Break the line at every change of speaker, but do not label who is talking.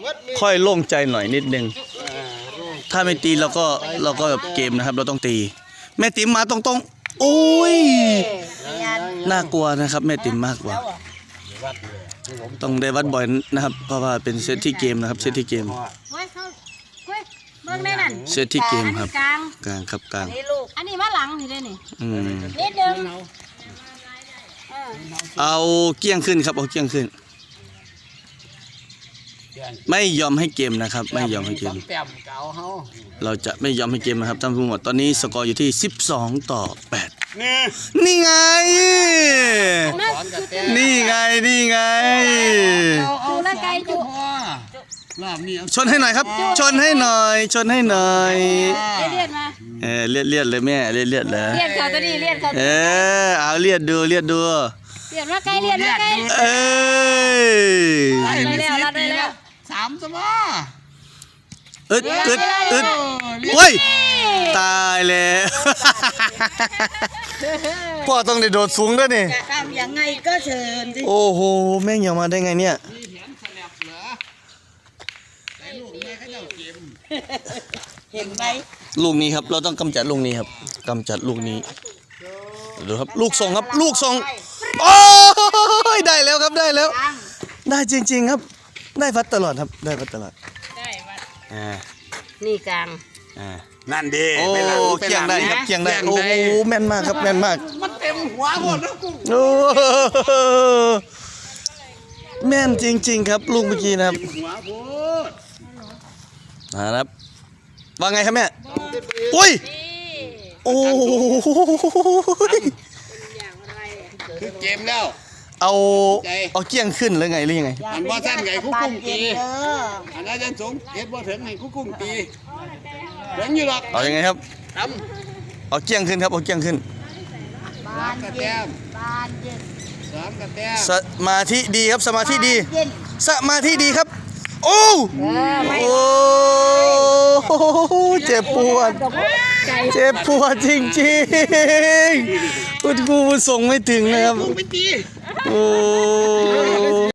ค่อยโล่งใจหน่อยนิดนึงถ้าไม่ตีเราก็แบบเกมนะครับเราต้องตีแม่ติ๋มมาตรงๆโอ้ยน่ากลัวนะครับแม่ติ๋มมากกว่าต้องได้วัดบ่อยนะครับเพราะว่าเป็นเซตที่เกมนะครับเซตที่เกมเซตที่เกมครับกลางครับกลาง
อันนี้มาหลังนี่ได้นี่นิดนึง
เอาเกี้ยงขึ้นครับเอาเกี้ยงขึ้นไม่ยอมให้เกมนะครับไม่ยอมให้เกมเราจะไม่ยอมให้เกมนะครับท่านผู้ชมตอนนี้สกอร์อยู่ที่12-8นี่ไงนี่ไงนี่ไง
เอาละไกลจุ
ชนให้หน่อยครับชนให้หน่อยชนให้หน่อย
เลียดมา
เลียดเลยแม่เลียดเลย
เลียดเขาตัวนี้เลียดเขา
เอาเลียดดูเลียดดู
เลียดมาไกลเลียดมาไกลรัดได้แล้ว
3 สมอ
อึดโอ้ยตายแล้วพ่อต้องได้โดดสูงด้วยนี่
ทำยังไงก็เชิญสิ
โอ้โหแม่งยังมาได้ไงเนี่ย
เห็นไหม
ลูกนี้ครับเราต้องกำจัดลูกนี้ครับกำจัดลูกนี้ดูครับลูกส่งครับลูกส่งโอ้ยได้แล้วครับได้แล้วได้จริงๆครับได้วัดตลอดครับได้วัดตลอด
ได้วัดนี่กลาง
นั่นดี
โอ้เคียงได้ครับเคียงได้โอ้แม่นมากครับแม่นมาก
มันเต็มหัวหมดแล้วกู
โอ้แม่นจริงๆครับลูกเมื่อกี้นะครับนะครับว่าไงครับแม่อุ้ยโอ้
คือเกมแล้ว
เอาเกี้ยงขึ้นหรือไงหรือยังไง
อันว่าสั้นไงคุกกุ้งตีอันนั้นจะสูงเฮ็ดบ่ถึงไงคุกกุ้งตีถึงอยู่หรอก
เอายังไงครับเอาเกี้ยงขึ้นครับเอาเกี้ยงขึ้น
บ้านเย็น3 กระแตม
สมาธิดีครับสมาธิดีสมาธิดีครับโอ้เจ็บปวดจริงๆคุณครูส่งไม่ถึงนะครับโอ้